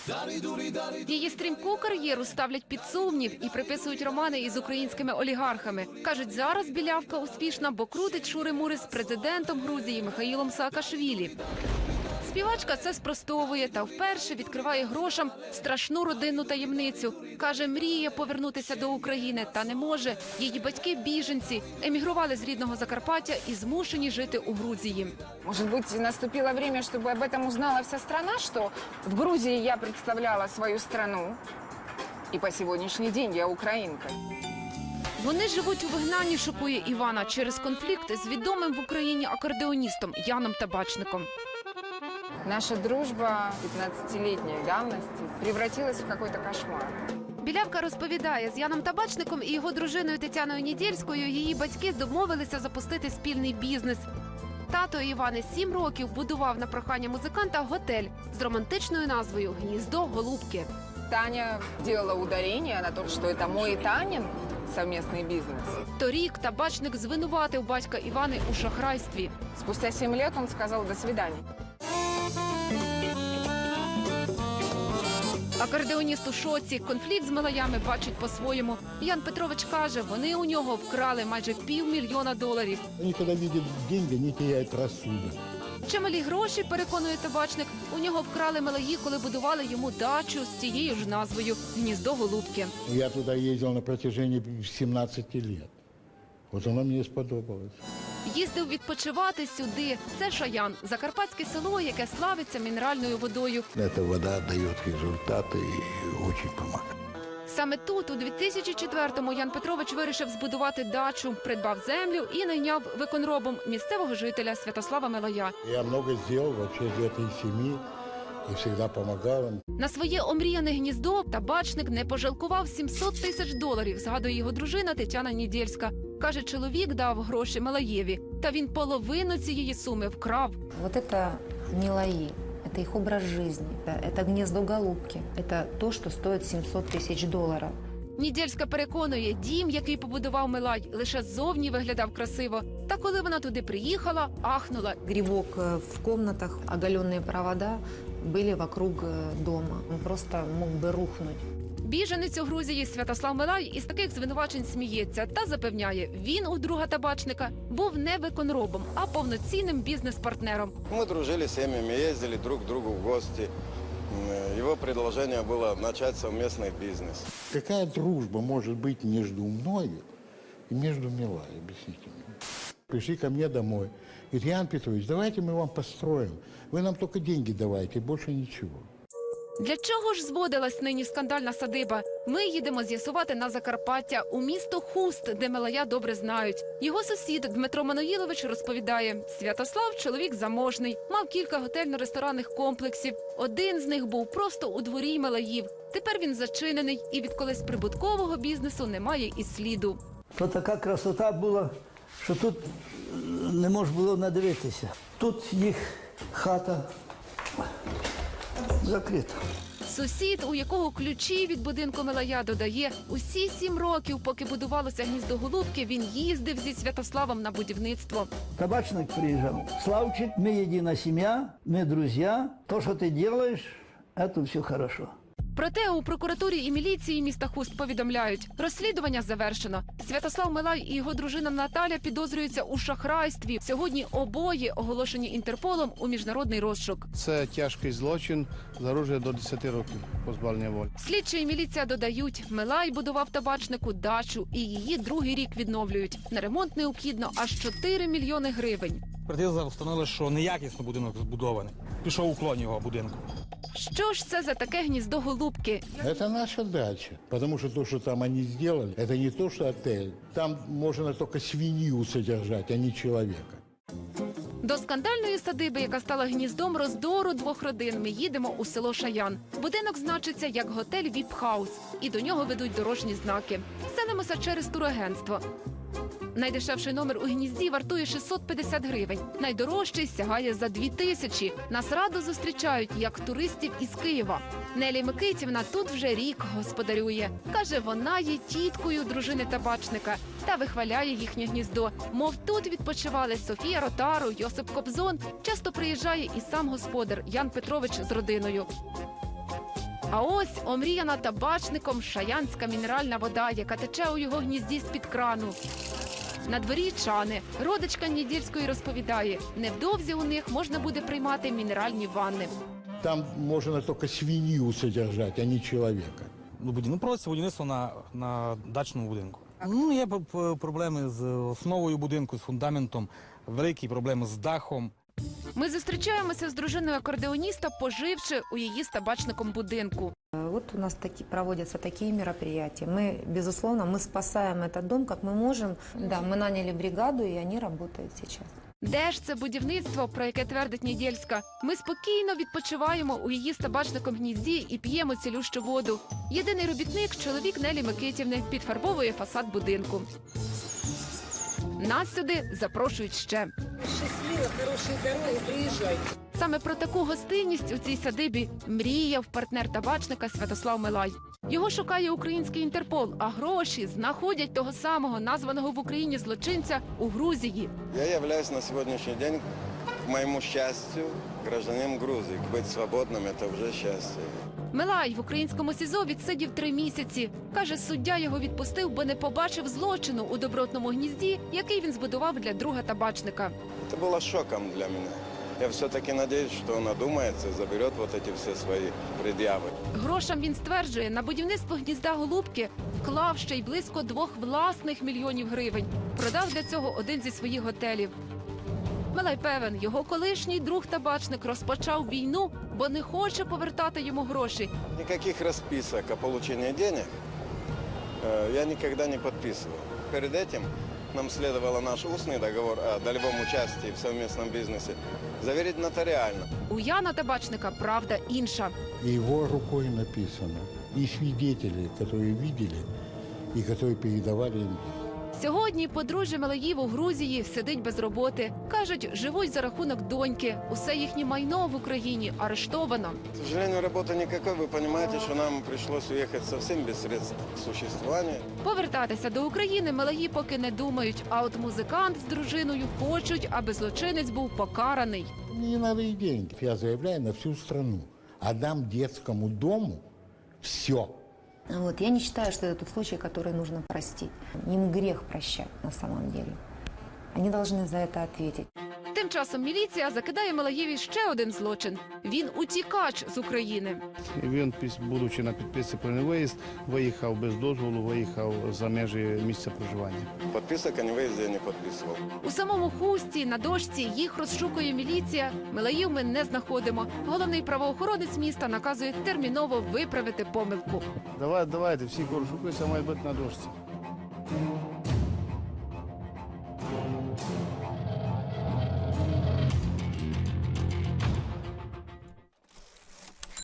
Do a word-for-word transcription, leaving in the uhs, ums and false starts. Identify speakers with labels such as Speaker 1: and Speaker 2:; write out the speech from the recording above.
Speaker 1: Її стрімку кар'єру ставлять під сумнів і приписують романи із українськими олігархами. Кажуть, зараз білявка успішна, бо крутить шури-мури з президентом Грузії Михаїлом Саакашвілі. Співачка це спростовує та вперше відкриває грошам страшну родинну таємницю. Каже, мріє повернутися до України, та не може. Її батьки – біженці, емігрували з рідного Закарпаття і змушені жити у Грузії.
Speaker 2: Может быть, наступило время, чтобы об этом узнала вся страна, что в Грузии я представляла свою страну, и по сегодняшний день я украинка.
Speaker 1: Вони живуть у вигнанні, шокує Івана, через конфлікт з відомим в Україні акордеоністом Яном Табачником.
Speaker 2: Наша дружба пятнадцатилетней давности превратилась в какой-то кошмар.
Speaker 1: Білявка розповідає, з Яном Табачником і його дружиною Тетяною Нідєльською її батьки домовилися запустити спільний бізнес. Тато Івани сім років будував на прохання музиканта готель з романтичною назвою «Гніздо Голубки».
Speaker 2: Таня делала ударение на то, что это мой и Танин совместный бизнес.
Speaker 1: Торік Табачник звинуватив батька Івани у шахрайстві.
Speaker 2: Спустя семь лет он сказал «до свидания».
Speaker 1: Акордеоніст у шоці, конфлікт з малаями бачить по-своєму. Ян Петрович каже, вони у нього вкрали майже півмільйона доларів.
Speaker 3: Они, когда видят деньги, они теряют рассудок.
Speaker 1: Чималі гроші, переконує Табачник, у нього вкрали малаї, коли будували йому дачу з тією ж назвою «Гніздо Голубки».
Speaker 3: Я туда ездил на протяжении семнадцати лет. Вот оно мне сподобалось.
Speaker 1: Їздив відпочивати сюди. Це Шаян, закарпатське село, яке славиться мінеральною водою.
Speaker 3: Эта вода дает результаты и очень помогает.
Speaker 1: Саме тут, у дві тисячі четвертому, Ян Петрович вирішив збудувати дачу, придбав землю і найняв виконробом місцевого жителя Святослава Мелая.
Speaker 3: Я много сделал вообще для этой семьи и всегда помогал им.
Speaker 1: На своє омріяне гніздо Табачник не пожалкував сімсот тисяч доларів, згадує його дружина Тетяна Нідєльська. Каже, чоловік дав гроші Мелаєві, та він половину цієї суми вкрав.
Speaker 4: Вот это не лаи, это их образ жизни, это, это гнездо голубки, это то, что стоит семьсот тысяч долларов.
Speaker 1: Нідєльська переконує, дім, який побудував Мелай, лише ззовні виглядав красиво. Та коли вона туди приїхала, ахнула.
Speaker 4: Грибок в комнатах, оголенные провода были вокруг дома. Он просто мог бы рухнуть.
Speaker 1: Біженець у Грузії Святослав Мелай із таких звинувачень сміється та запевняє, він у друга Табачника був не виконробом, а повноцінним бізнес-партнером.
Speaker 5: Мы дружили с семьями, ездили друг к другу в гости. Его предложение было начать совместный бизнес.
Speaker 3: Какая дружба может быть между мною и между Милой, объясните мне? Пришли ко мне домой. Говорит, Ян Петрович, давайте мы вам построим. Вы нам только деньги давайте, больше ничего.
Speaker 1: Для чого ж зводилась нині скандальна садиба? Ми їдемо з'ясувати на Закарпаття, у місто Хуст, де Мелая добре знають. Його сусід Дмитро Маноїлович розповідає, Святослав – чоловік заможний, мав кілька готельно-ресторанних комплексів. Один з них був просто у дворі Мелаїв. Тепер він зачинений і від колись прибуткового бізнесу немає і сліду.
Speaker 6: То така красота була, що тут не можна було надивитися. Тут їх хата закрита.
Speaker 1: Сусід, у якого ключі від будинку Мелая, додає, усі сім років, поки будувалося гніздо Голубки, він їздив зі Святославом на будівництво.
Speaker 6: Табачник приїжджав. Славчик, ми єдина сім'я, ми друзі. То, що ти робиш, це все хорошо.
Speaker 1: Проте у прокуратурі і міліції міста Хуст повідомляють, розслідування завершено. Святослав Мелай і його дружина Наталя підозрюються у шахрайстві. Сьогодні обоє оголошені Інтерполом у міжнародний розшук.
Speaker 7: Це тяжкий злочин, загрожує до десяти років позбавлення волі.
Speaker 1: Слідчі і міліція додають, Мелай будував Табачнику дачу і її другий рік відновлюють. На ремонт необхідно аж чотири мільйони гривень.
Speaker 8: Експертиза встановила, що неякісно будинок збудований. Пішов уклон його будинку.
Speaker 1: Що ж це за таке гніздо Голубки?
Speaker 3: Это наша дача, потому что то, что там они сделали, это не то, что отель. Там можно только свинью содержать, а не человека.
Speaker 1: До скандальної садиби, яка стала гніздом роздору двох родин, ми їдемо у село Шаян. Будинок значиться як готель «Віп-хаус», і до нього ведуть дорожні знаки. Селимося через турагентство. Найдешевший номер у гнізді вартує шістсот п'ятдесят гривень. Найдорожчий сягає за дві тисячі. Нас радо зустрічають, як туристів із Києва. Нелі Микитівна тут вже рік господарює. Каже, вона є тіткою дружини Табачника та вихваляє їхнє гніздо. Мов, тут відпочивали Софія Ротару, Йосип Кобзон. Часто приїжджає і сам господар Ян Петрович з родиною. А ось омріяна табачником шаянська мінеральна вода, яка тече у його гнізді з-під крану. На дворі чани. Родичка Недільської розповідає, невдовзі у них можна буде приймати мінеральні ванни.
Speaker 3: Там можно только свинью содержать, а не человека.
Speaker 8: Ну, буді- ну, проводиться будівництво на, на дачному будинку. Ну, є п- п- проблеми з основою будинку, з фундаментом, великі проблеми з дахом.
Speaker 1: Ми зустрічаємося з дружиною акордеоніста, поживши у її з табачником будинку.
Speaker 4: Вот у нас таки, проводятся такие мероприятия. Мы, безусловно, мы спасаем этот дом, как мы можем. Да, мы наняли бригаду, и они работают сейчас.
Speaker 1: Де ж це будівництво, про яке твердить Недільська? Ми спокійно відпочиваємо у її з табачником гнізді і п'ємо цілющу воду. Єдиний робітник – чоловік Нелі Микитівни, підфарбовує фасад будинку. Нас сюди запрошують ще.
Speaker 2: Счастливо, хорошие дороги, приезжайте.
Speaker 1: Саме про таку гостинність у цій садибі мріяв партнер табачника Святослав Милай. Його шукає український Інтерпол, а гроші знаходять того самого названого в Україні злочинця у Грузії.
Speaker 5: Я являюсь на сегодняшний день, к моему счастью, гражданином Грузии. Быть свободным – это уже счастье.
Speaker 1: Милай в українському СІЗО відсидів три місяці. Каже, суддя його відпустив, бо не побачив злочину у добротному гнізді, який він збудував для друга табачника.
Speaker 5: Это было шоком для меня. Я все-таки надеюсь, что он одумается и заберет вот эти все свои предъявы.
Speaker 1: Грошам, він стверджує, на будівництво гнізда Голубки вклав ще й близько двох власних мільйонів гривень. Продав для цього один зі своїх готелів. Милай певен, його колишній друг-табачник розпочав війну, бо не хоче повертати йому гроші.
Speaker 5: Никаких расписок о получении денег э, я никогда не подписывал. Перед этим нам следовало наш устный договор о долевом участии в совместном бизнесе заверить нотариально.
Speaker 1: У Яна табачника правда інша.
Speaker 3: И его рукой написано. И свидетели, которые видели и которые передавали им.
Speaker 1: Сьогодні подружжя Милаїв у Грузії сидить без роботи. Кажуть, живуть за рахунок доньки. Усе їхнє майно в Україні арештовано.
Speaker 5: К сожалению, работы никакой. Вы понимаете, что нам пришлось уехать совсем без средств к существованию.
Speaker 1: Повертатися до України Милаї поки не думають. А от музикант з дружиною хочуть, аби злочинець був покараний.
Speaker 3: Мне не надо и деньги. Я заявляю на всю страну. Отдам детскому дому все.
Speaker 4: Вот. Я не считаю, что это тот случай, который нужно простить. Им грех прощать на самом деле. Они должны за это ответить.
Speaker 1: Тим часом міліція закидає Милаєві ще один злочин. Він утікач з України.
Speaker 7: І він, піс- будучи на підписці про невиїзд, виїхав без дозволу, виїхав за межі місця проживання.
Speaker 5: Подписок о невыезде я не подписывал.
Speaker 1: У самому Хусті на дошці їх розшукує міліція. Милаїв ми не знаходимо. Головний правоохоронець міста наказує терміново виправити помилку.
Speaker 7: Давай, давайте, всі, кого шукаються, мають бути на дошці.